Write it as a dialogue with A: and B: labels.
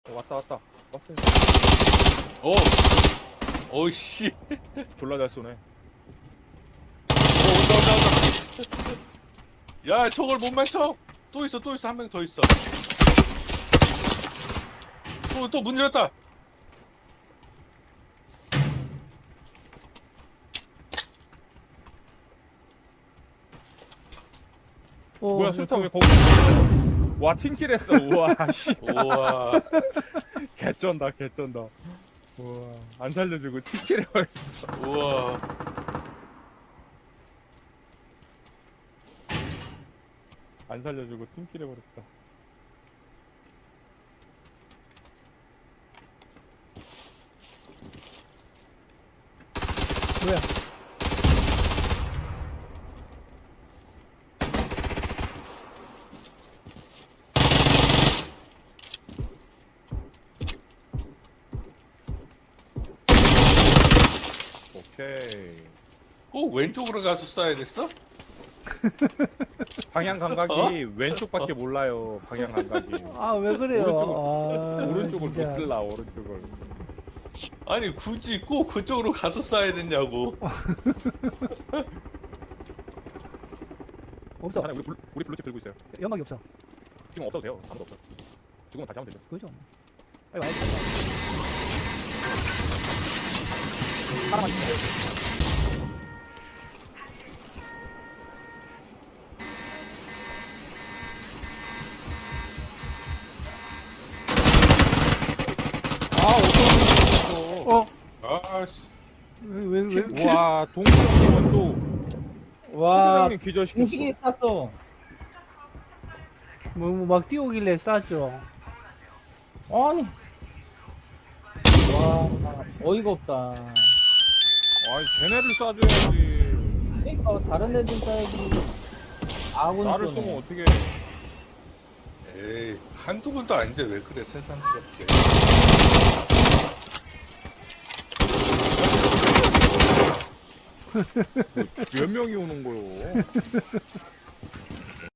A: 왔다 왔어요.
B: 오! 오씨.
A: 졸라 잘 쏘네.
B: 온다. 야, 저걸 못 맞춰. 또 있어. 한 명 더 있어. 또 문 열었다.
A: 뭐야 술탕 왜 거기 있어? 와 팀킬했어. 우와 씨.
B: 우와.
A: 개쩐다. 우와 안 살려주고 팀킬해버렸어.
B: 우와.
A: 안 살려주고 팀킬해버렸다.
C: 뭐야?
A: 오케이.
B: 꼭 왼쪽으로 가서 쏴야 됐어?
A: 방향 감각이 왼쪽밖에 몰라요. 방향 감각이.
C: 아, 왜 그래요?
A: 오른쪽을
C: 진짜.
A: 못 들라 오른쪽을.
B: 아니, 굳이 꼭 그쪽으로 가서 쏴야 됐냐고.
C: 없어.
A: 하나 우리 블루칩 들고 있어요.
C: 연막이 없어.
A: 지금 없어도 돼요. 아무도 없어. 죽으면 다시 하면 되죠.
C: 그죠? 빨리 와야지.
A: 하나만 있어요. 아 어떤
C: 어?
B: 아씨.
C: 왜?
A: 와 동생은 또
D: 와,
A: 팀장님 기절시켰어.
D: 공식이 쌌어.
C: 막 뛰어오길래 쐈죠.
D: 아니. 와, 어이가 없다.
A: 아니 쟤네를 쏴줘야지.
D: 그러니까 다른 애들 쏴야지. 아군
A: 나를
D: 쏘네.
A: 쏘면 어떻게?
B: 에이, 한두 번도 아닌데 왜 그래, 세상스럽게.
A: 몇 명이 오는 거요?